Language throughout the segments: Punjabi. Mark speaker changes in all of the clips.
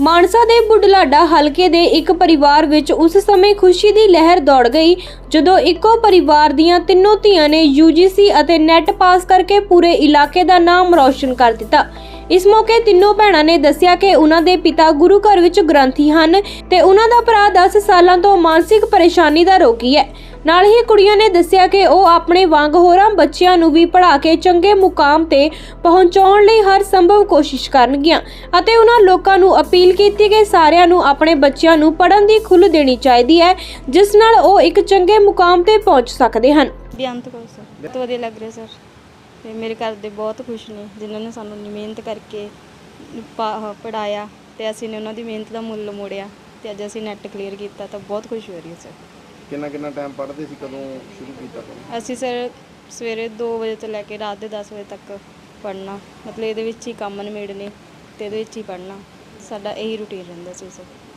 Speaker 1: ਮਾਨਸਾ ਦੇ ਬੁਢਲਾਡਾ ਹਲਕੇ ਦੇ ਇੱਕ ਪਰਿਵਾਰ ਵਿੱਚ ਉਸ ਸਮੇਂ ਖੁਸ਼ੀ ਦੀ ਲਹਿਰ ਦੌੜ ਗਈ ਜਦੋਂ ਇੱਕੋ ਪਰਿਵਾਰ ਦੀਆਂ ਤਿੰਨੋਂ ਧੀਆਂ ਨੇ UGC ਅਤੇ ਨੈਟ ਪਾਸ ਕਰਕੇ ਪੂਰੇ ਇਲਾਕੇ ਦਾ ਨਾਮ ਰੌਸ਼ਨ ਕਰ ਦਿੱਤਾ। ਇਸ ਮੌਕੇ ਤਿੰਨੋਂ ਭੈਣਾਂ ਨੇ ਦੱਸਿਆ ਕਿ ਉਹਨਾਂ ਦੇ ਪਿਤਾ ਗੁਰੂ ਘਰ ਵਿੱਚ ਗ੍ਰੰਥੀ ਹਨ ਤੇ ਉਹਨਾਂ ਦਾ ਭਰਾ 10 ਸਾਲਾਂ ਤੋਂ ਮਾਨਸਿਕ ਪਰੇਸ਼ਾਨੀ ਦਾ ਰੋਗੀ ਹੈ। ਨਾਲ ਹੀ ਕੁੜੀਆਂ ਨੇ ਦੱਸਿਆ ਕਿ ਉਹ ਆਪਣੇ ਵਾਂਗ ਹੋਰਾਂ ਬੱਚਿਆਂ ਨੂੰ ਵੀ ਪੜ੍ਹਾ ਕੇ ਚੰਗੇ ਮੁਕਾਮ ਤੇ ਪਹੁੰਚਾਉਣ ਲਈ ਹਰ ਸੰਭਵ ਕੋਸ਼ਿਸ਼ ਕਰਨਗੀਆਂ ਅਤੇ ਉਹਨਾਂ ਲੋਕਾਂ ਨੂੰ ਅਪੀਲ ਕੀਤੀ ਕਿ ਸਾਰਿਆਂ ਨੂੰ ਆਪਣੇ ਬੱਚਿਆਂ ਨੂੰ ਪੜ੍ਹਨ ਦੀ ਖੁੱਲ੍ਹ ਦੇਣੀ ਚਾਹੀਦੀ ਹੈ, ਜਿਸ ਨਾਲ ਉਹ ਇੱਕ ਚੰਗੇ ਮੁਕਾਮ ਤੇ ਪਹੁੰਚ ਸਕਦੇ ਹਨ।
Speaker 2: ਬੇਅੰਤ ਕੌਰ ਸਰ, ਬਹੁਤ ਵਧੀਆ ਲੱਗ ਰਿਹਾ ਸਰ ਤੇ ਮੇਰੇ ਘਰ ਦੇ ਬਹੁਤ ਖੁਸ਼ ਨੇ ਜਿਨ੍ਹਾਂ ਨੇ ਸਾਨੂੰ ਮਿਹਨਤ ਕਰਕੇ ਪੜ੍ਹਾਇਆ ਤੇ ਅਸੀਂ ਨੇ ਉਹਨਾਂ ਦੀ ਮਿਹਨਤ ਦਾ ਮੁੱਲ ਮੋੜਿਆ ਤੇ ਅੱਜ ਅਸੀਂ ਨੈਟ ਕਲੀਅਰ ਕੀਤਾ ਤਾਂ ਬਹੁਤ ਖੁਸ਼ ਹੋ ਰਹੀ ਹੈ ਸਰ।
Speaker 3: ਕਿੰਨਾ ਟਾਈਮ ਪੜ੍ਹਦੇ ਸੀ, ਕਦੋਂ ਸ਼ੁਰੂ ਕੀਤਾ ਪੜ੍ਹਨਾ?
Speaker 2: ਅਸੀਂ ਸਰ ਸਵੇਰੇ 2 ਵਜੇ ਤੋਂ ਲੈ ਕੇ ਰਾਤ ਦੇ 10 ਵਜੇ ਤੱਕ ਪੜ੍ਹਨਾ, ਮਤਲਬ ਇਹਦੇ ਵਿੱਚ ਹੀ ਕੰਮ ਨਿਬੇੜਨੇ ਤੇ ਇਹਦੇ ਵਿੱਚ ਹੀ ਪੜ੍ਹਨਾ, ਸਾਡਾ ਇਹੀ ਰੂਟੀਨ ਰਹਿੰਦਾ ਸੀ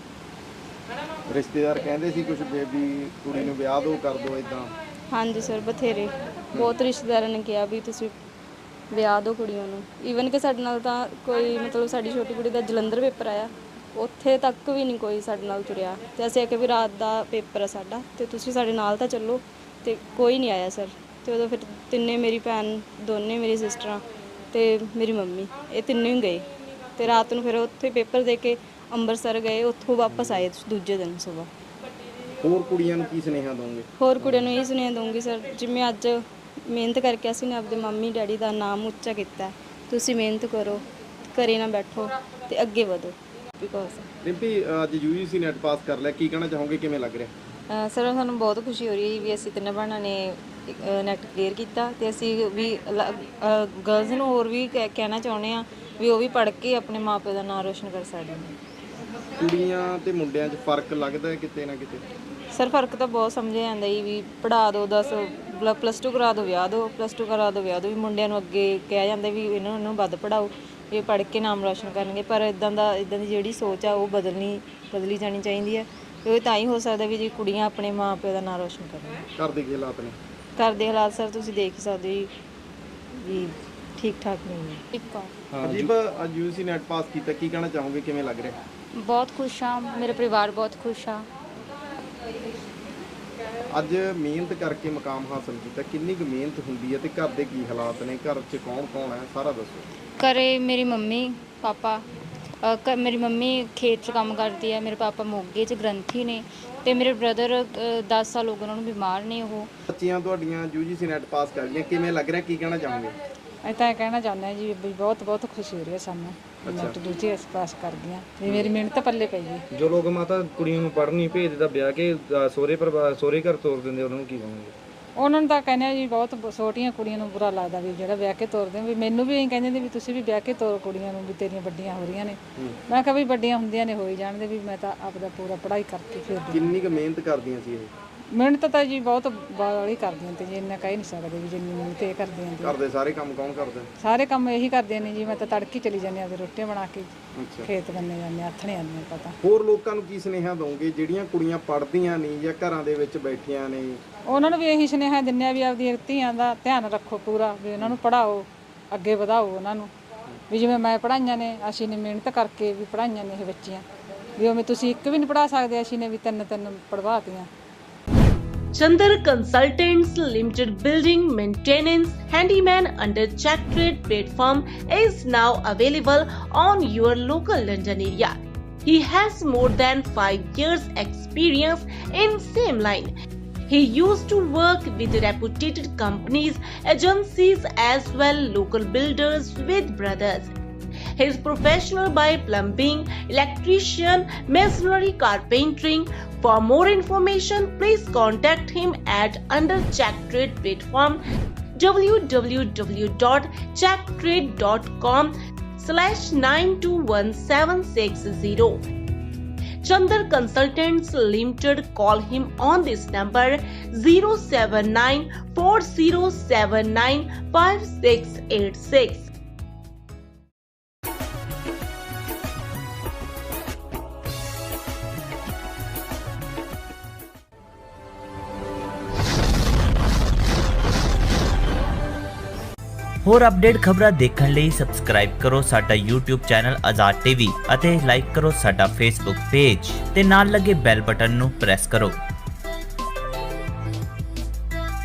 Speaker 2: ਸਰ।
Speaker 3: ਰਿਸ਼ਤੇਦਾਰ ਕਹਿੰਦੇ ਸੀ ਕੁਝ ਬੇਬੀ ਕੁੜੀ ਨੂੰ ਵਿਆਹ ਦੋ ਕਰ ਦੋ ਇਦਾਂ?
Speaker 2: ਹਾਂਜੀ ਸਰ, ਬਥੇਰੇ ਬਹੁਤ ਰਿਸ਼ਤੇਦਾਰਾਂ ਨੇ ਕਿਹਾ ਵੀ ਤੁਸੀਂ ਵਿਆਹ ਦਿਓ ਕੁੜੀਆਂ ਨੂੰ। ਈਵਨ ਕਿ ਸਾਡੇ ਨਾਲ ਤਾਂ ਕੋਈ ਮਤਲਬ ਸਾਡੀ ਛੋਟੀ ਕੁੜੀ ਦਾ ਜਲੰਧਰ ਪੇਪਰ ਆਇਆ, ਉੱਥੇ ਤੱਕ ਵੀ ਨਹੀਂ ਕੋਈ ਸਾਡੇ ਨਾਲ ਤੁਰਿਆ ਤੇ ਅਸੀਂ ਆਖਿਆ ਵੀ ਰਾਤ ਦਾ ਪੇਪਰ ਆ ਸਾਡਾ ਤੇ ਤੁਸੀਂ ਸਾਡੇ ਨਾਲ ਤਾਂ ਚੱਲੋ ਤੇ ਕੋਈ ਨਹੀਂ ਆਇਆ ਸਰ। ਤੇ ਉਦੋਂ ਫਿਰ ਤਿੰਨੇ, ਮੇਰੀ ਭੈਣ ਦੋਨੇ, ਮੇਰੀ ਸਿਸਟਰਾਂ ਤੇ ਮੇਰੀ ਮੰਮੀ, ਇਹ ਤਿੰਨੇ ਹੀ ਗਏ ਤੇ ਰਾਤ ਨੂੰ ਫਿਰ ਉੱਥੇ ਪੇਪਰ ਦੇ ਕੇ ਅੰਮ੍ਰਿਤਸਰ ਗਏ, ਉੱਥੋਂ ਵਾਪਸ ਆਏ ਦੂਜੇ ਦਿਨ ਸਵੇਰ।
Speaker 3: ਹੋਰ ਕੁੜੀਆਂ ਨੂੰ ਕੀ ਸੁਨੇਹਾ ਦੋਗੇ?
Speaker 2: ਹੋਰ ਕੁੜੀਆਂ ਨੂੰ ਇਹ ਸੁਨੇਹਾ ਦਊਂਗੀ ਸਰ, ਜਿਵੇਂ ਅੱਜ ਮਿਹਨਤ ਕਰਕੇ ਅਸੀਂ ਨੇ ਆਪਦੇ ਮੰਮੀ ਡੈਡੀ ਦਾ ਨਾਮ ਉੱਚਾ ਕੀਤਾ, ਤੁਸੀਂ ਮਿਹਨਤ ਕਰੋ, ਘਰੇ ਨਾ ਬੈਠੋ ਤੇ ਅੱਗੇ ਵਧੋ।
Speaker 3: ਰਿੰਪੀ, ਅੱਜ UGC ਨੈਟ ਪਾਸ ਕਰ ਲਿਆ, ਕੀ ਕਹਿਣਾ ਚਾਹੋਗੇ, ਕਿਵੇਂ ਲੱਗ ਰਿਹਾ?
Speaker 4: ਸਰ ਸਾਨੂੰ ਬਹੁਤ ਖੁਸ਼ੀ ਹੋ ਰਹੀ ਹੈ ਵੀ ਅਸੀਂ ਤਿੰਨੇ ਭੈਣਾਂ ਨੇ ਨੈਟ ਕਲੀਅਰ ਕੀਤਾ ਤੇ ਅਸੀਂ ਵੀ ਗਰਲਜ਼ ਨੂੰ ਹੋਰ ਵੀ ਕਹਿਣਾ ਚਾਹੁੰਦੇ ਹਾਂ ਵੀ ਉਹ ਵੀ ਪੜ੍ਹ ਕੇ ਆਪਣੇ ਮਾਪੇ ਦਾ ਨਾਮ ਰੋਸ਼ਨ ਕਰ ਸਕਦੇ ਨੇ।
Speaker 3: ਕੁੜੀਆਂ ਤੇ ਮੁੰਡਿਆਂ 'ਚ ਫਰਕ ਲੱਗਦਾ ਹੈ ਕਿਤੇ ਨਾ ਕਿਤੇ?
Speaker 4: ਸਰ ਫਰਕ ਤਾਂ ਬਹੁਤ ਸਮਝਿਆ ਜਾਂਦਾ ਜੀ, ਵੀ ਪੜ੍ਹਾ ਦਿਓ 10 +2 ਕਰਾ ਦਿਓ ਵਿਆਹ ਦਿਓ, +2 ਕਰਾ ਦਿਓ ਵਿਆਹ ਦਿਓ, ਵੀ ਮੁੰਡਿਆਂ ਨੂੰ ਅੱਗੇ ਕਿਹਾ ਜਾਂਦਾ ਵੀ ਇਹਨਾਂ ਨੂੰ ਵੱਧ ਪੜ੍ਹਾਓ, ਇਹ ਪੜ੍ਹ ਕੇ ਨਾਮ ਰੋਸ਼ਨ ਕਰਨਗੇ। ਪਰ ਇਦਾਂ ਦੀ ਜਿਹੜੀ ਸੋਚ ਆ ਉਹ ਬਦਲੀ ਜਾਣੀ ਚਾਹੀਦੀ ਹੈ। ਉਹ ਤਾਂ ਹੀ ਹੋ ਸਕਦਾ ਵੀ ਜੇ ਕੁੜੀਆਂ ਆਪਣੇ ਮਾਂ ਪਿਓ ਦਾ ਨਾਮ ਰੋਸ਼ਨ ਕਰਨ।
Speaker 3: ਘਰ ਦੇ ਕੀ ਹਾਲਾਤ ਨੇ?
Speaker 4: ਘਰ ਦੇ ਹਾਲਾਤ ਸਰ ਤੁਸੀਂ ਦੇਖ ਹੀ ਸਕਦੇ ਹੋ ਵੀ ਠੀਕ ਠਾਕ ਨਹੀਂ ਹੈ।
Speaker 3: ਹਾਂ ਜੀ, ਅੱਜ UGC ਨੈਟ ਪਾਸ ਕੀਤਾ, ਕੀ ਕਹਿਣਾ ਚਾਹੋਗੇ, ਕਿਵੇਂ ਲੱਗ ਰਿਹਾ?
Speaker 5: ਬਹੁਤ ਖੁਸ਼ ਹਾਂ, ਮੇਰੇ ਪਰਿਵਾਰ ਬਹੁਤ ਖੁਸ਼ ਆ।
Speaker 3: ਅੱਜ ਮਿਹਨਤ ਕਰਕੇ ਮੁਕਾਮ ਹਾਸਲ ਕੀਤਾ, ਕਿੰਨੀ ਕੁ ਮਿਹਨਤ ਹੁੰਦੀ ਹੈ ਤੇ ਘਰ ਦੇ ਕੀ ਹਾਲਾਤ ਨੇ, ਘਰ 'ਚ ਕੌਣ ਹੈ, ਸਾਰਾ ਦੱਸੋ।
Speaker 5: ਘਰੇ ਮੇਰੀ ਮੰਮੀ ਪਾਪਾ, ਮੇਰੀ ਮੰਮੀ ਖੇਤ 'ਚ ਕੰਮ ਕਰਦੀ ਹੈ, ਮੇਰੇ ਪਾਪਾ ਮੋਗੇ 'ਚ ਗ੍ਰੰਥੀ ਨੇ ਤੇ ਮੇਰੇ ਬ੍ਰਦਰ 10 ਸਾਲ ਹੋ ਗਏ ਉਹਨਾਂ ਨੂੰ ਬਿਮਾਰ ਨੇ। ਉਹ
Speaker 3: ਬੱਚੀਆਂ ਤੁਹਾਡੀਆਂ UGC ਨੈਟ ਪਾਸ ਕਰ ਲਈਆਂ, ਕਿਵੇਂ ਲੱਗ ਰਿਹਾ, ਕੀ ਕਹਿਣਾ ਚਾਹੋਗੇ?
Speaker 6: ਅਸੀਂ ਤਾਂ ਇਹ ਕਹਿਣਾ ਚਾਹੁੰਦੇ ਹਾਂ ਜੀ ਵੀ ਬਹੁਤ ਖੁਸ਼ੀ ਹੋ ਰਹੀ ਹੈ ਸਾਨੂੰ, ਨੈਟ ਦੂਜੀ ਇਸ ਪਾਸ ਕਰ ਗਈਆਂ ਵੀ ਮੇਰੀ ਮਿਹਨਤ ਪੱਲੇ ਪਈ ਗਈ।
Speaker 7: ਜੋ ਲੋਕ ਮਾਤਾ ਕੁੜੀਆਂ ਨੂੰ ਪੜ੍ਹਨ ਨਹੀਂ ਭੇਜਦੇ, ਵਿਆਹ ਕੇ ਸਹੁਰੇ ਘਰ ਤੋਰ ਦਿੰਦੇ, ਉਹਨਾਂ ਨੂੰ ਕੀ ਕਹੋਗੇ?
Speaker 6: ਉਹਨਾਂ ਨੂੰ ਤਾਂ ਕਹਿੰਦੇ ਆ ਜੀ ਬਹੁਤ ਛੋਟੀਆਂ ਕੁੜੀਆਂ ਨੂੰ ਬੁਰਾ ਲੱਗਦਾ ਵੀ ਜਿਹੜਾ ਵਿਆਹ ਕੇ ਤੋਰਦੇ ਵੀ। ਮੈਨੂੰ ਵੀ ਇਹੀ ਕਹਿੰਦੇ ਨੇ ਵੀ ਤੁਸੀਂ ਵੀ ਵਿਆਹ ਕੇ ਤੋਰ ਕੁੜੀਆਂ ਨੂੰ, ਵੀ ਤੇਰੀਆਂ ਵੱਡੀਆਂ ਹੋ ਰਹੀਆਂ ਨੇ। ਮੈਂ ਕਿਹਾ ਵੀ ਵੱਡੀਆਂ ਹੁੰਦੀਆਂ ਨੇ ਹੋਈ ਜਾਣਦੇ, ਵੀ ਮੈਂ ਤਾਂ ਆਪਦਾ ਪੂਰਾ ਪੜ੍ਹਾਈ ਕਰਕੇ ਫਿਰ।
Speaker 3: ਕਿੰਨੀ ਕੁ ਮਿਹਨਤ ਕਰਦੀਆਂ ਸੀ ਇਹ?
Speaker 6: ਮਿਹਨਤ ਤਾਂ ਜੀ ਬਹੁਤ ਬਾਹਲੀ ਕਰਦੀਆਂ ਤੇ ਜੀ ਇੰਨਾ ਕਹਿ ਨਹੀਂ ਸਕਦੇ ਵੀ ਜਿੰਨੀ ਮਿਹਨਤ ਇਹ ਕਰਦੀਆਂ ਨੇ।
Speaker 3: ਘਰ ਦੇ ਸਾਰੇ ਕੰਮ ਕੌਣ ਕਰਦਾ?
Speaker 6: ਸਾਰੇ ਕੰਮ ਇਹੀ ਕਰਦੀਆਂ ਨੇ ਜੀ। ਮੈਂ ਤਾਂ ਤੜਕੀ ਚਲੀ ਜਾਂਦੀ ਆ, ਰੋਟੀਆਂ ਬਣਾ ਕੇ ਖੇਤ ਬੰਨੇ ਜਾਂਦੇ, ਹੱਥਣੇ ਆਉਂਦੇ ਪਤਾ।
Speaker 3: ਹੋਰ ਲੋਕਾਂ ਨੂੰ ਕੀ ਸੁਨੇਹਾ ਦੋਗੇ ਜਿਹੜੀਆਂ ਕੁੜੀਆਂ ਪੜ੍ਹਦੀਆਂ ਨਹੀਂ ਜਾਂ ਘਰਾਂ ਦੇ ਵਿੱਚ ਬੈਠੀਆਂ ਨੇ?
Speaker 6: ਉਹਨਾਂ ਨੂੰ ਵੀ ਇਹੀ ਸੁਨੇਹਾ ਦਿੰਦੇ ਆ ਵੀ ਆਪਦੀਆਂ ਧੀਆਂ ਦਾ ਧਿਆਨ ਰੱਖੋ ਪੂਰਾ, ਵੀ ਉਹਨਾਂ ਨੂੰ ਪੜ੍ਹਾਓ, ਅੱਗੇ ਵਧਾਓ ਉਹਨਾਂ ਨੂੰ। ਵੀ ਜਿਵੇਂ ਮੈਂ ਪੜ੍ਹਾਈਆਂ ਨੇ, ਅਸੀਂ ਨੇ ਮਿਹਨਤ ਕਰਕੇ ਵੀ ਪੜ੍ਹਾਈਆਂ ਨੇ ਇਹ ਬੱਚੀਆਂ, ਵੀ ਉਵੇਂ ਤੁਸੀਂ ਇੱਕ ਵੀ ਨਹੀਂ ਪੜ੍ਹਾ ਸਕਦੇ, ਅਸੀਂ ਨੇ ਵੀ ਤਿੰਨ ਪੜ੍ਹਵਾਤੀਆਂ।
Speaker 8: Chandar Consultants Limited Building Maintenance Handyman under Check Trade platform is now available on your local London area. He has more than 5 years experience in same line. He used to work with reputed companies, agencies as well local builders with brothers. He is professional by plumbing, electrician, masonry, carpentering. For more information, please contact him at under Check Trade platform www.checktrade.com/921760. Chandar Consultants Limited. Call him on this number 07940795686.
Speaker 9: ਹੋਰ ਅਪਡੇਟ ਖਬਰਾਂ ਦੇਖਣ ਲਈ ਸਬਸਕ੍ਰਾਈਬ ਕਰੋ ਸਾਡਾ YouTube ਚੈਨਲ ਆਜ਼ਾਦ ਟੀਵੀ ਅਤੇ ਲਾਈਕ ਕਰੋ ਸਾਡਾ Facebook ਪੇਜ ਤੇ ਨਾਲ ਲੱਗੇ ਬੈਲ ਬਟਨ ਨੂੰ ਪ੍ਰੈਸ ਕਰੋ।